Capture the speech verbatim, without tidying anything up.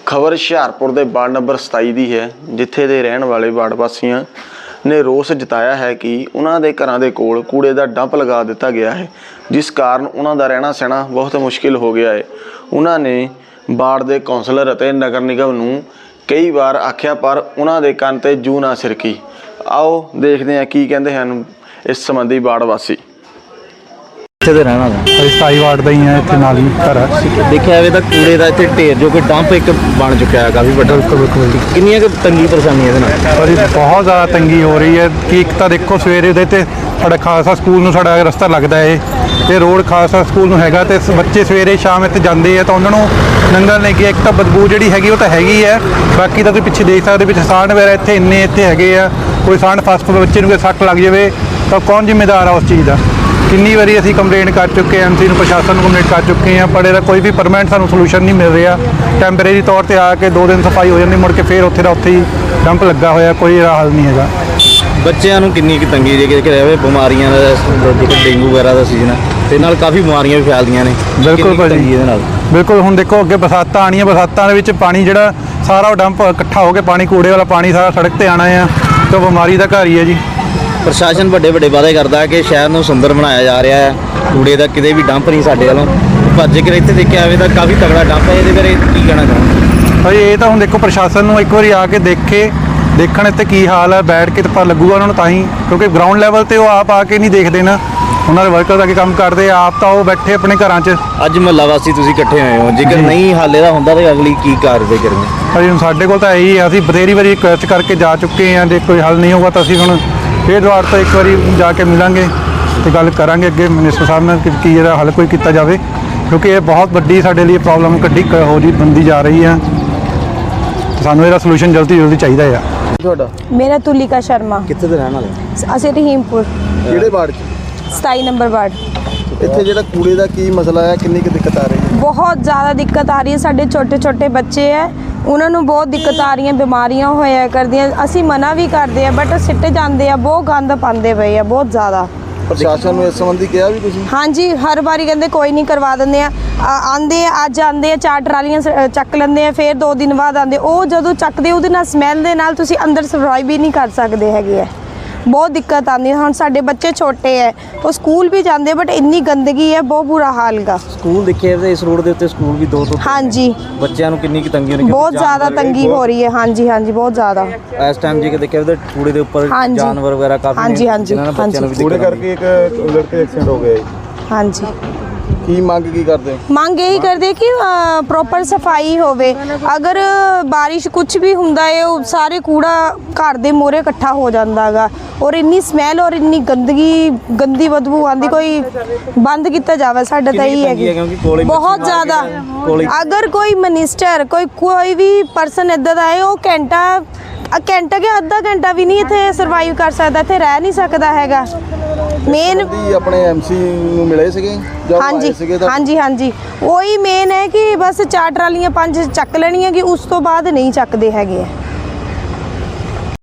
खबर हुशियारपुर के ward number सताई की है, जिथे के रहने वाले वार्ड वासियों ने रोस जताया है कि उन्होंने घरों के कोल कूड़े का डंप लगा दिता गया है, जिस कारण उन्हों का रहना सहना बहुत मुश्किल हो गया है। उन्होंने वार्ड के कौंसलर और नगर निगम नूं कई बार आख्या, पर उन्होंने कन ते जू ना सिरकी। आओ देखते हैं की कहते हैं इस संबंधी वार्ड वासी। सताई वार्ड का ही है, इतने नाल ही घर है। देखा जाए तो कूड़े का इतने ढेर जो कि डंप एक बन चुका है काफ़ी बड़ा। बिल्कुल कितनी तंगी परेशानी है पर बहुत ज़्यादा तंगी हो रही है कि एक तो देखो सवेरे दे ते साडा खालसा स्कूल नूं साडा रस्ता लगता है, तो रोड खालसा स्कूल नूं हैगा, तो बच्चे सवेरे शाम इत्थे जाते हैं तो उन्होंने नंगल नहीं गया। एक तो बदबू जी हैगी वो तो हैगी है, बाकी तो तुसीं पिछे देख सकते पिछे साढ़ वगैरह इतने इन्ने इतने हैगे आ। कोई साढ़ फस बच्चे नूं कोई सट लग जाए तो कौन जिम्मेदार है उस चीज़ का। किन्नी बारी असीं कंप्लेंट कर चुके हैं, एम सी प्रशासन को कंप्लेंट कर चुके हैं, पर इसका कोई भी परमानेंट सानूं सलूशन नहीं मिल रहा। टैंपरेरी तौर पर आके दो दिन सफाई हो जाती, मुड़ के फिर उत्थे दा उत्थे ही डंप लगा होया, कोई हल नहीं है। बच्चों को किन्नी तंगी जे बीमारियां डेंगू वगैरह का सीजन है, तो नाल काफ़ी बीमारियां भी फैलदियां ने। बिल्कुल भाजी, बिल्कुल हुण देखो अगे बरसातां आनियां, बरसातां दे विच पानी जिहड़ा सारा डंप इकट्ठा हो के पानी कूड़े वाला पानी सारा सड़क पर आना है, तो बीमारी का घर ही है जी। प्रशासन बड़े बड़े वादे करता है कि शहर को सुंदर बनाया जा रहा है, कूड़े का कितने भी डंप नहीं साढ़े वालों, पर जेकर इतने देखा जाए तो काफ़ी तगड़ा डंप है। ये बारे की कहना चाहूँगा भाई, ये तो हम देखो प्रशासन को एक बार आके देखे देखण इत्थे की हाल है, बैठ के तो पता लगूगा उन्होंने ताही, क्योंकि ग्राउंड लैवल पर वो आप आके नहीं देखते ना, उन्होंने वर्कर आके काम करते, आप तो वो बैठे अपने घर च। अज मुहल्ला वासी तुसीं इकट्ठे होए हो, जेकर नहीं हल इहदा हुंदा तो अगली की कार्रवाई करेंगे? भाई हुण साडे कोल तां यही है, असीं बथेरी वारी रिक्वेस्ट करके जा चुके हैं, जे कोई हल नहीं होगा तो असीं हुण फिर द्वार तो एक बार जाके मिलेंगे तो गल करांगे अगे मिनिस्टर साहब ने कि की इहदा हल कोई किया जाए, क्योंकि ये बहुत वड्डी साडे लिए प्रॉब्लम कड्डी हो जी बनती जा रही है, तो सानूं इहदा सलूशन जल्दी जल्दी चाहिए है। मेरा तुलिका शर्मा। कित्थे दे रहण वाले? असीं रहीमपुर किहड़े वार्ड च? सताई नंबर वार्ड। इत्थे जिहड़ा कूड़े दा की मसला है, किन्नी की दिक्कत आ रही है? बहुत ज़्यादा दिक्कत आ रही है। साडे छोटे छोटे बच्चे है, उन्होंने बहुत दिक्कत आ रही है, बीमारियां होया करदियां। असीं मना भी करते हैं बट सिੱਟੇ ਜਾਂਦੇ ਆ, बहुत गंद पाते पे है बहुत ज़्यादा। प्रशासन ने इस संबंधी कहा भी तुसीं? हाँ जी, हर बारी कहते कोई नहीं करवा देंगे, आते अज आते चार ट्रालियां चक लेंगे, फिर दो दिन बाद आते, वो जो चकते वो समैल के नाल तुसीं अंदर सर्वाइव भी नहीं कर सकते है, बहुत दिक्कत आती है। हम साडे बच्चे छोटे है, वो स्कूल भी जाते बट इन्नी गंदगी है, बहुत बुरा हाल का। स्कूल देखिए इस रोड के उत्ते स्कूल भी दो तो हाँ जी, बच्चों को कितनी तंगी होनी, बहुत ज़्यादा तंगी हो रही है। हाँ जी हाँ जी, बहुत ज़्यादा इस टाइम जी देखिए तो कूड़े के ऊपर हाँ जानवर वगैरह काफी। हाँ जी हाँ जी हाँ जी, कूड़े करके एक लड़के एक्सीडेंट हो गया। हाँ जी, की मांग की करते हैं? मांग यही करते कि प्रॉपर सफाई होवे। अगर बारिश कुछ भी हुंदा है, वो सारे कूड़ा घर दे मोरे इकट्ठा हो जाता है, और इन्नी स्मैल और इन्नी गंदगी गंदी बदबू आती, कोई बंद किया जाए साडा तो यही है बहुत ज़्यादा। अगर कोई मिनिस्टर कोई कोई भी परसन इदा का है, वो घंटा घंटा के अद्धा घंटा भी नहीं इत्थे सर्वाइव कर सकता, इत्थे रह नहीं सकता हैगा। मेन अपने एमसी नूं मिले सीगे? हाँ जी हाँ जी हाँ जी, वही मेन है कि बस चार ट्रालियां पांच चक लेनियां, कि उस तो बाद नहीं चकते हैगे।